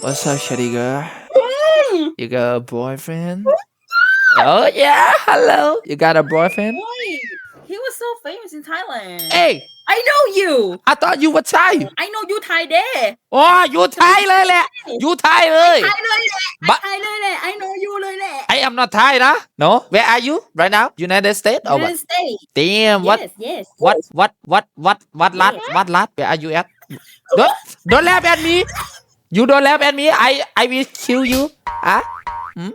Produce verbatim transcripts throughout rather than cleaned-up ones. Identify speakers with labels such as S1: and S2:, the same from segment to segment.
S1: What's up, shitty girl? You got a boyfriend? Oh yeah, hello. You got a boyfriend?
S2: Wait, he was so famous in Thailand.
S1: Hey,
S2: I know you.
S1: I thought you were Thai.
S2: I know you Thai เด้
S1: อ๋ออยู่ไทยเลยแหละอยู่ไทยเลย
S2: ไทยเลยแหละ
S1: But
S2: ไทยเลยแหละ I know you เลยแหละ
S1: I am not Thai นะ No, where are you right now? United States or what?
S2: United States.
S1: Damn, what
S2: Yes, yes.
S1: what what what what what รัฐ what รัฐ Where are you at? Don't don't laugh at me. You don't laugh at me. I I will kill you. อ่ะ hmm?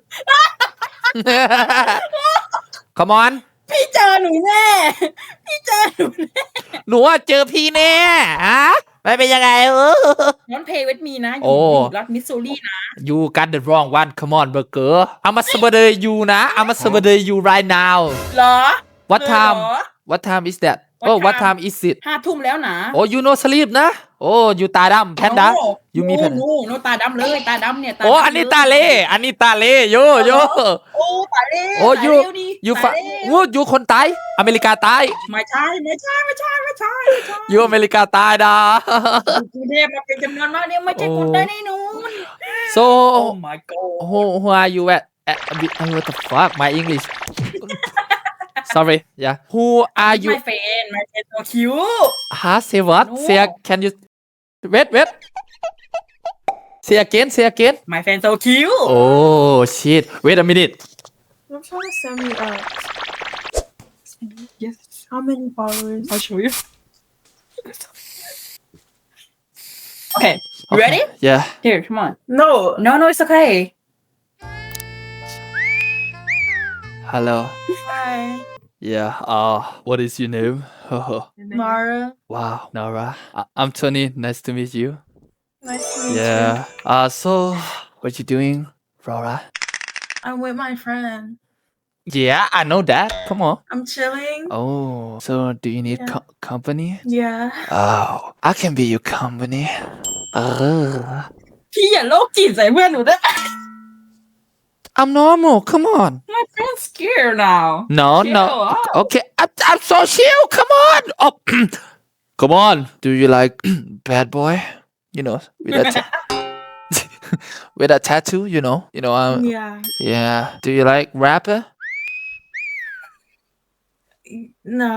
S1: Come on.
S2: พี่เจอหนูแน่พี่เจอหนูแน่
S1: หนูว่าเจอพี่แน่ฮะไม่เป็นยังไงเออ
S2: น้องเพย์เวทมีนะอ
S1: โอ้
S2: ยู่อยู่รัฐมิสซูรีนะ
S1: You got the wrong one. Come on, burger. I'm a survey you นะ I'm a survey you right now.
S2: เหรอ
S1: What
S2: เลย
S1: time?
S2: เหรอ
S1: What time is that?
S2: What
S1: Oh, what
S2: time?
S1: time is it?
S2: ห้าทุ่มแล้วนะ
S1: Oh, you no sleep นะ Oh, you ตาดำแพนด้า You มีแพน
S2: โน้โน้ตาดำเลยตาดำเนี่ยตา
S1: โอ้
S2: ดำ
S1: อันนี้
S2: เลย
S1: ตาเล่ อันนี้ตาเล่โยโย
S2: โอ้ตาเล่
S1: โอ้
S2: ตา
S1: you
S2: เล่ดิ
S1: you
S2: ตา
S1: fa
S2: เล่
S1: วูด you คนใต้อเมริกาใต้
S2: ไม่ใช่ไม่ใช่ไม่ใช่ไม่ใช่ไม่ใช่
S1: You อเมริกาใต้นะ
S2: กรุงเทพมาเป็นจำนวนมากเนี่ยไม่ใช่คนได้แน่นอน
S1: So
S2: Oh my god
S1: who who are you at? at what the fuck my English Sorry yeah Who are you
S2: my friend my friend so cute
S1: Huh? Say what?
S2: No.
S1: Say can you wait wait Say again say again
S2: my friend so cute
S1: Oh shit Wait a minute
S3: I'm trying to send me up. Yes. How many followers?
S2: I'll show you okay you ready
S1: Yeah
S2: here come on
S3: No.
S2: no no it's okay
S1: Hello
S3: Hi.
S1: Yeah uh what is your name
S3: Mara.
S1: Wow Nora I- I'm Tony nice to meet you
S3: Nice to meet
S1: Yeah uh so what you doing Rora
S3: you. I'm with my friend.
S1: Yeah I know that come on
S3: I'm chilling.
S1: Oh so do you need
S3: Yeah.
S1: co- company
S3: Yeah.
S1: Oh I can be your company เออ
S2: พี่อย่าโลกจิตใส่เพื่อนหนูด้วย
S1: I'm normal come on
S2: my friend's scared now
S1: No,
S2: Chill
S1: no.
S2: out.
S1: Okay, I'm, I'm so chill. Come on. Oh, come on. Do you like bad boy? You know, with a ta- with a tattoo. You know, you know. Um,
S3: Yeah.
S1: yeah. Do you like rapper?
S3: No.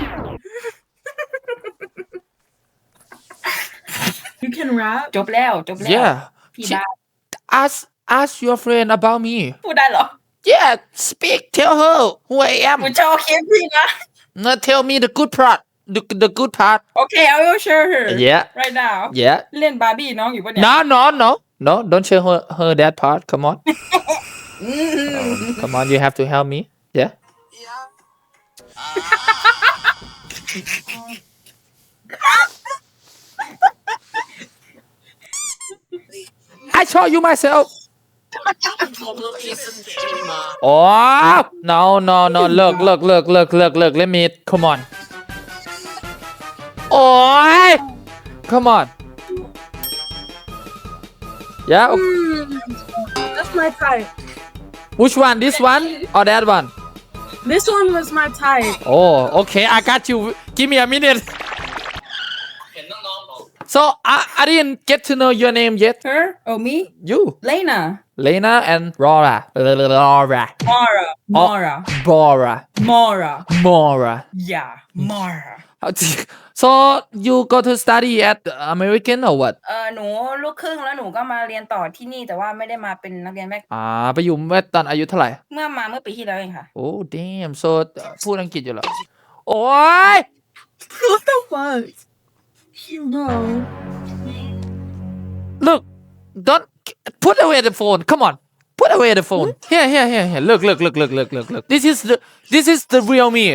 S3: You can rap?
S2: จบแล้วจบแล้ว
S1: Yeah.
S2: พี่
S1: She-
S2: ได้
S1: ask ask your friend about me.
S2: พูดได้เหรอ
S1: Yeah. Speak. Tell her who I
S2: หนู
S1: am.
S2: ชอบคลิปพี่นะ
S1: No, tell me the good part. The, the good part.
S2: Okay I will show her
S1: Yeah.
S2: right now
S1: Yeah.
S2: เล่นบาร์บี้น้องอยู่ปะเนี่ย
S1: No, no, no, no. Don't show her, her that part. Come on. Um, come on. You have to help me. Yeah. I show you myself. Oh no no no! Look look look look look look! Let me come on. Oh, come on. Yeah.
S3: Mm, that's my type.
S1: Which one? This one or that one?
S3: This one was my type.
S1: Oh, okay. I got you. Give me a minute. So I, I didn't get to know your name yet.
S2: her oh me
S1: You,
S2: Lena
S1: Lena and Laura. Laura.
S2: Mara Mara
S1: Bora.
S2: Mara
S1: Mora.
S2: yeah Mara
S1: So you go to study at American or what?
S2: เออหนูลูกครึ่งแล้วหนูก็มาเรียนต่อที่นี่แต่ว่าไม่ได้มาเป็นนักเรียนแม่
S1: อ่าไปอยู่เมื่อตอนอายุเท่าไหร่
S2: เมื่อมาเมื่อปีที่แล้วเองค่ะ
S1: โอ้ damn so พูดอังกฤษอยู่เหรอ โอ้ย
S3: What the fuck? No.
S1: Look don't put away the phone come on put away the phone here here here here look look look look look look look this is the this is the real me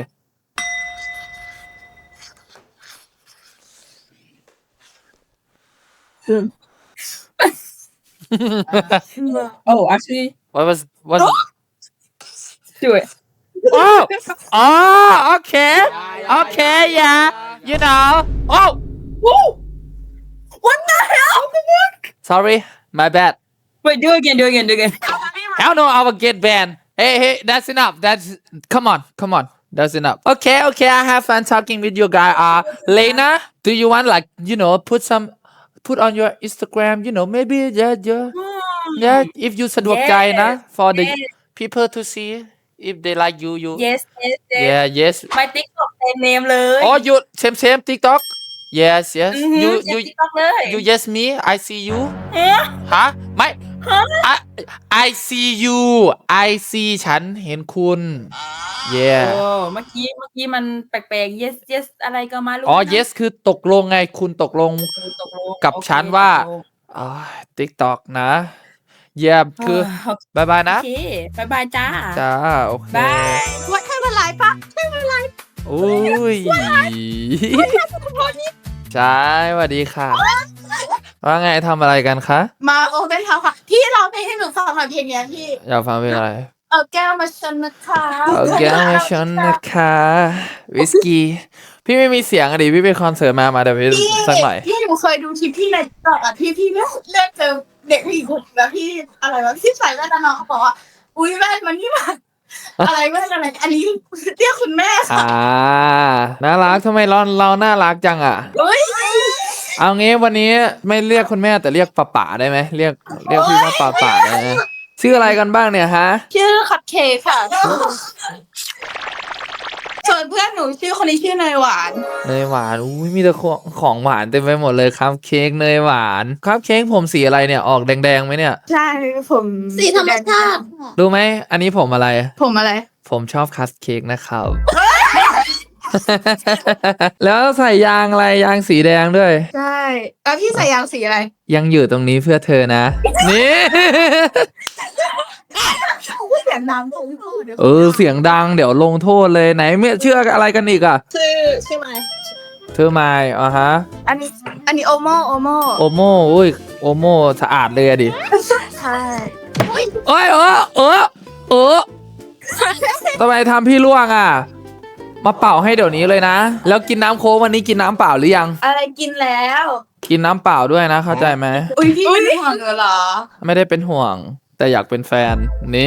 S3: No.
S2: oh actually
S1: what was what
S2: do it
S1: oh oh okay okay yeah you know oh
S2: Whoa! What the hell?
S1: sorry my bad
S2: Wait, do it again, do it again, do it again.
S1: hell no I will get banned hey hey that's enough that's come on come on that's enough okay okay I have fun talking with you guy uh Lena do you want like you know put some put on your Instagram you know maybe yeah yeah yeah if you สะดวกใจนะ for the
S2: yes
S1: people to see if they like you you
S2: yes yes yes
S1: yeah yes
S2: my TikTok same name เลย
S1: oh you same same TikTok yes yes
S2: อือหือ
S1: you
S2: เซ็
S1: you
S2: น TikTok เลย
S1: you yes me I see you
S2: เอ๊ะ
S1: ฮะไม่ I I see you I see ฉันเห็นคุณ yeah
S2: โอ้เมื่อกี้เมื่อกี้มันแปลกๆ yes yes อะไรก็มารู้
S1: อ๋อ
S2: นะ
S1: yes คือตกลงไงคุณตกลง
S2: เออตกลง
S1: กับ
S2: โอเค
S1: ฉันว่า
S2: ตกลง
S1: อ๋อ TikTok นะเยี่ยมคือ
S2: โอ
S1: บายบายนะ
S2: เคบายบายจ้า
S1: จ้า โอเค
S2: บาย
S3: What kind of life? Pop?
S1: อุ้ยใช่สวัสดีค่ะ ว่าไงทำอะไรกันคะ
S3: มาโอเปนเฮาส์ค่ะ พี่ร้องเพลงให้หนูฟังหน่อยเพลงเนี้ยพี่
S1: อยากฟังเพลงอะไร
S3: เอาแก้วมาชนนะคะ
S1: เอาแก้วมาชนนะคะวิสกี้ พี่ไม่มีเสียงอะดิ พี่ไปคอนเสิร์ตมามาเดี๋ยวพี่
S3: พี่
S1: สักหน่อย
S3: พี่หนูเคยดูคลิปพี่ในตอกอ่ะพี่พี่เลือกเลือกเจอเด็กผู้หญิงคนแล้วพี่อะไรวะพี่ใส่แว่นแล้วน้องเขาบอกว่าอุ้ยแว่นมันนี่มันอะไรแว่นอะไรอันนี้เรียกคุณแม่ค่ะ
S1: อ่า น่ารักทำไมเราเราน่ารักจังอ่ะ
S3: เฮ้ย
S1: เอางี้วันนี้ไม่เรียกคุณแม่แต่เรียกป๋าป๋าได้ไหมเรียกเรียกพี่ว่าป๋าป๋าได้ไหมชื่ออะไรกันบ้างเนี่ยฮะ
S3: ชื่อคัพเค้กค่ะ ส่วนเพื่อนหนูชื่อคนนี้ชื่อเนยหวาน
S1: เนยหวานอุ้ยมีแต่ของของหวานเต็มไปหมดเลยครับเค้กเนยหวานครับเค้กผมสีอะไรเนี่ยออกแดงๆไหมเนี่ย
S3: ใช่ผม
S4: สีธรรมชาติ
S1: รู้ไหมอันนี้ผมอะไร
S3: ผมอะไร
S1: ผมชอบคัสเค้กนะครับ แล้วใส่ยางอะไรยางสีแดงด้วย
S3: ใช่แล้วพี่ใส่ยางสีอะไร
S1: ยังอยู่ตรงนี้เพื่อเธอนะ นี่
S3: เสียงน้ำตรงพูด
S1: เออเสียงดังเดี๋ยวลงโทษเลยไหนเมื่อเชื่ออะไรกันอีกอ่ะ
S3: ชื่อชื่อไหม
S1: เธอไม่อ่ะฮะ
S3: อันนี้อันนี้โอโมโอโม
S1: โอโมอุ้ยโอโมสะอาดเลยอะดิ
S3: ใช่
S1: โอ้ยเออเออเออทำไมทำพี่ล่วงอ่ะ มาเป่าให้เดี๋ยวนี้เลยนะ แล้วกินน้ำโค้กวันนี้กินน้ำเปล่าหรือยัง
S3: อะไรกินแล้ว
S1: กินน้ำเปล่าด้วยนะเข้าใจไหม
S3: อุ้ยพี่เป็นห่วงเหรอ
S1: ไม่ได้เป็นห่วง แต่อยากเป็นแฟน นี่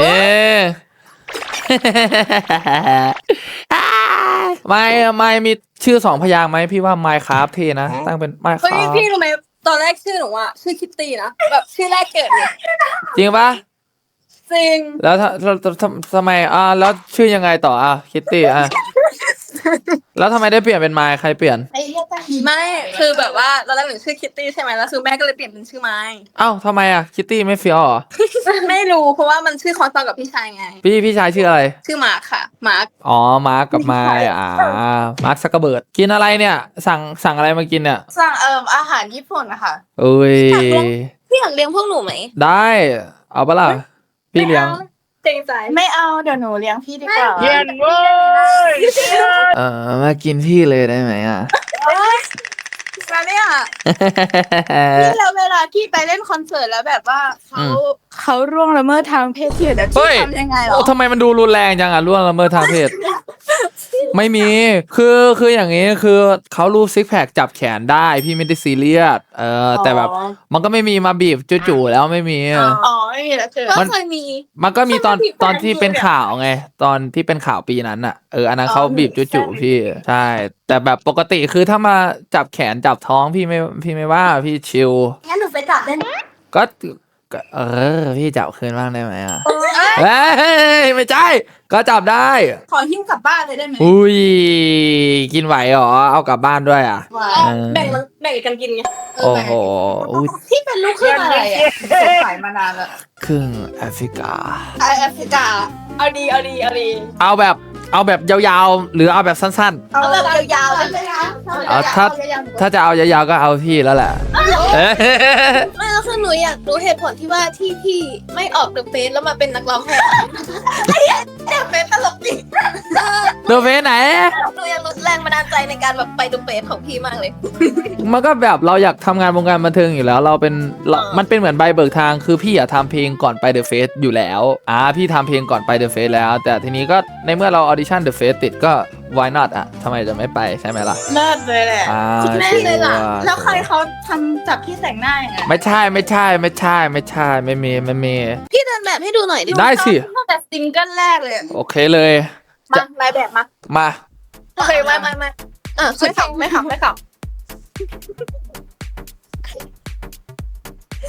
S1: ไม่ไม่มีชื่อสองพยางค์ไหมพี่ว่าไมค์คราฟเทนะ ตั้งเป็นไมค์ค
S4: เฮ้ย
S1: ราฟ
S4: พี่รู้ไหมตอนแรกชื่อหนูอะชื่อคิตตี้นะแบบชื่อแรกเกิดเลย
S1: จริงปะ
S4: จริง
S1: แล้วถ้าทำทำทำไมอ่าแล้วชื่อยังไงต่ออ่ะคิตตี้อ่ะ แล้วทำไมได้เปลี่ยนเป็นไมค์ใครเปลี่ยน
S3: ไอ้เหี้ยตั้ง
S4: ไม่คือแบบว่าตอนแรกหนูชื่อคิตตี้ใช่ไหมแล้วคือแม่ก็เลยเปลี่ยนเป็นชื่อไม้
S1: เอ้าทำไมอ่ะคิตตี้ไม่เฟี้ยวเหรอ
S4: ไม่รู้เพราะว่ามันชื่อคอนซองกับพี่ชายไง
S1: พี่พี่ชายชื่ออะไร
S4: ชื่อมาร์คค่ะมาร์ค
S1: อ๋อ มาร์กกับไมค์อ่า มาร์กซักกระเบิด กินอะไรเนี่ย สั่งสั่งอะไรมากินเนี่ย
S3: สั่งเอ่มอาหารญี่ปุ่นนะคะ
S1: เอ้ย
S4: พี่อยากเลี้ยงพวกหนูไหม
S1: ได้ เอาปะล่ะ พี่เลี้ยง
S4: เกรงใจ
S3: ไม่เอาเดี๋ยวหนูเลี้ยงพี่ดีกว่า
S1: เย็นเว้ย เออมากินพี่เลยได้ไหมอ่ะ
S4: แล้วเนี่ย
S3: พี่แล้วเวลาที่ไปเล่นคอนเสิร์ตแล้วแบบว่าเขา
S1: อืม
S3: เขาร่วงละเมิดทางเพศที่เดี๋ยว
S1: เฮ้
S3: พี่
S1: ย
S3: ทำยังไงเหร
S1: โอ้
S3: อ
S1: ทำไมมันดูรุนแรงจังอ่ะล่วงละเมิดทางเพศ ไม่มี คือคืออย่างนี้คือเขารูปซิกแพคจับแขนได้พี่ไม่ได้ซีเรียส เออ แต่แบบ มันก็ไม่มีมาบีบจู่ๆแล้วไม่มี
S3: อ๋อไม่มีแล้วเจอ
S4: ก็
S1: มัน
S4: เคยมี
S1: มันก็มีตอน
S4: ใช่พี่
S1: ตอนที่เป็นข่าวไง ตอนที่เป็นข่าวปีนั้นอ่ะ เออ อันนั้นเขาบีบจู่ๆพี่ ใช่ แต่แบบปกติคือถ้ามาจับแขนจับท้องพี่ไม่พี่ไม่ว่าพี่ชิล
S4: งั้นหนูไปจับได้ไหม
S1: ก็ก็เออ พี่จับคืนบ้างได้ไหมอ่ะเฮ้ยไม่ใช่ก็จับได้
S3: ขอหิ้วกลับบ้านเลยได้ไหม
S1: อุ้ยกินไหวเหรอเอากลับบ้านด้วยอ่ะ
S3: ว้า
S1: เออ
S4: แบ่งมันแบ่งกันกินไง
S1: โอ้โหอุ้ย
S3: พี่เป็นลูกครึ่งอะไรอ่ะสงสัยมานานแล้ว
S1: ครึ่งแอฟริกา
S3: ไอแอฟริกา
S4: เอาดีเอาดีเอาดี
S1: เอาแบบเอาแบบยาวๆ หรือเอาแบบสั้น
S3: เอาแบบยาวๆเลยนะ
S1: ๆเอาถ้าถ้าจะเอายาวๆก็เอาพี่แล้วแหละเอ้ย
S4: ไม่แล้วคือหนูอยากรู้เหตุผลที่ว่าที่พี่ไม่ออกเดอะเฟสแล้วมาเป็นนักร้องแทน
S3: เด็กเป็นตลกดิ
S1: เดอะเฟสไหน
S4: หนูอยากรู้แรงบันดาลใจในการแบบไปเดอะเฟสของพี่มากเลย
S1: มันก็แบบเราอยากทำงานวงการบันเทิงอยู่แล้ว เราเป็นเรามันเป็นเหมือนใบเบิกทางคือพี่อะทำเพลงก่อนไปเดอะเฟสอยู่แล้วอ่าพี่ทำเพลงก่อนไปเดอะเฟสแล้ว แต่ทีนี้ก็ในเมื่อเราออดิชั่นเดอะเฟสติดก็ why not อะทำไมจะไม่ไปใช่ไหมล่ะ
S3: เลิศเลยแหละ
S1: อ่า
S3: แม่เลยล่ะ
S1: ชัวร์
S3: แล้วใครเขาทำจับพี่แต่งหน้าอย่างไง
S1: ไม่ใช่ไม่ใช่ไม่ใช่ไม่ใช่ไม่มีไม่มี
S4: พี่เดินแบบให้ดูหน่อยดิ
S1: ได้สิ
S3: ตั้งแต่ซิงเกิลแรกเลย
S1: โอเคเลย
S4: มาลายแบบมา
S1: มา
S4: โอเคไม่ไม่ไม่อ่ะสุด
S3: ไม่ขับไม่ขับไม่ขับ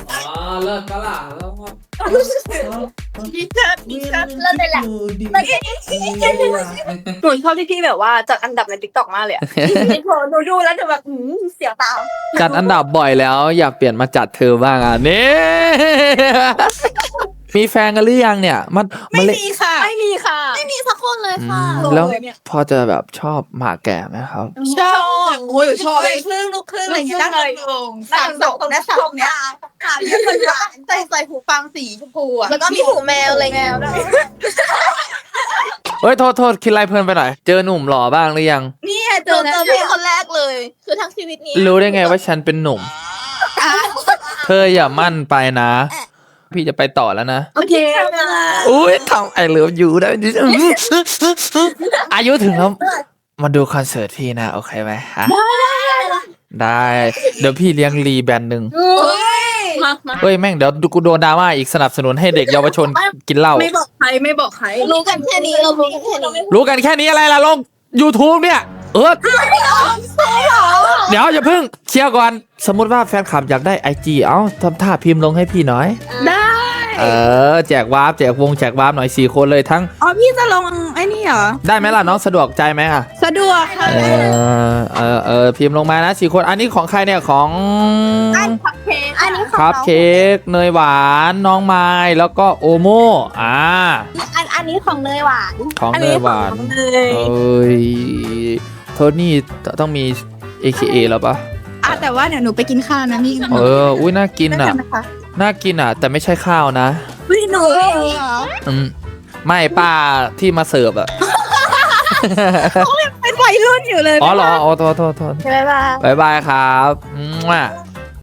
S1: อ๋อเลิศก็ล่ะแล้วก็
S3: ดีเชิดดีเชิด
S4: เลิศเลยแหละ
S3: หนูชอบที่พี่แบบว่าจัดอันดับในติ๊กต็อกมากเลยอะหนูดูแล้วจะแบบเสียวตา
S1: จัดอันดับบ่อยแล้วอยากเปลี่ยนมาจัดเธอบ้างอ่ะนี่ มีแฟนกันหรือยังเนี่ยมัน
S3: ไม่
S1: นเล่น
S3: มีค่ะไม่มีค่ะ
S4: ไม่มีสักคนเลย
S1: อื
S4: ค่ะ
S1: มแล้วพอจะแบบชอบหมาแก่ไหมครับ
S3: ชอบโอ้ยชอบเลยครึ่งลูกครึ่งอะไรอย่างเงี้ยนั่งลงสามสองตรงนั้นสองเนี้ยขาเรียกคนหวานใส่ใส่หูฟังสีชมพูอะ
S4: แล้วก็มีหูแมวอะไรเงี้ย
S1: เฮ้ยโทษโทษคิดไรเพลินไปหน่อย เจอหนุ่มหล่อบ้างหรือยัง
S3: นี่
S4: เจอเจอพี่คนแรกเลย คือทั้งชีวิตนี้
S1: รู้ได้ไงว่าฉันเป็นหนุ่ม เธออย่ามั่นไปนะ พี่จะไปต่อแล้วนะ
S3: โอเค
S1: อุ้ยทำไอเลิฟยูได้ดิอายุถึงแล้วมาดูคอนเสิร์ตพี่นะ โอเคไหมฮะได้ เดี๋ยวพี่เลี้ยงรีแบนด์หนึ่ง
S3: มามา
S1: เฮ้ยแม่งเดี๋ยวกูโดนดราม่าอีกสนับสนุนให้เด็กเยาวชนกินเหล้า
S3: ไม่บอกใครไม่บอกใคร
S4: รู้กันแค่นี้เรารู้กันแค่นี้
S1: รู้กันแค่นี้อะไรล่ะลง YouTube เนี่ย เออเดี๋ยวอย่าเพิ่งเคลียร์ก่อน สมมุติว่าแฟนคลับอยากได้ ไอ จี เอ้าทำท่าพิมพ์ลงให้พี่หน่อย
S3: ได้
S1: เออ แจกวาร์ปแจกวงแจกวาร์ปหน่อยสี่คนเลยทั้ง
S3: อ๋อพี่จะลงไอ้นี่เหรอ
S1: ได้ไหมล่ะน้องสะดวกใจไหมอ่ะ
S3: สะดวกค่ะ
S1: เออเออเออพิมพ์ลงมานะสี่คนอันนี้ของใครเนี่ยของ
S3: อันคัพเค้ก
S4: อันนี้ของ
S1: ครับ
S4: น้อง
S1: เค้กเนยหวานน้องไม้แล้วก็โอโมอ่า
S4: อันอันนี้ของเนยหวาน
S1: ของ
S3: อัน
S1: เน
S3: นี้
S1: ยหวาน
S3: ของเลย
S1: เอ้ยโทนี่ต้องมี เอ เค เอ แล้วปะ
S3: อ่ะแต่ว่าเดี๋ยวหนูไปกินข้าวนะนี่
S1: เอออุ้ยน่ากินอ่ะ
S3: นะคะ
S1: น่ากินอ่ะ แต่ไม่ใช่ข้าวนะ
S3: พี่หนูเหรอ
S1: อืมไม่ป้าที่มาเสิร์ฟอ่ะ
S3: เป็นวัยรุ่นอยู่เลย
S1: อ๋อเหรออ๋อโทษโทษโทษ
S4: ใช่ไหมบ้า
S1: บายบายครับมั่ว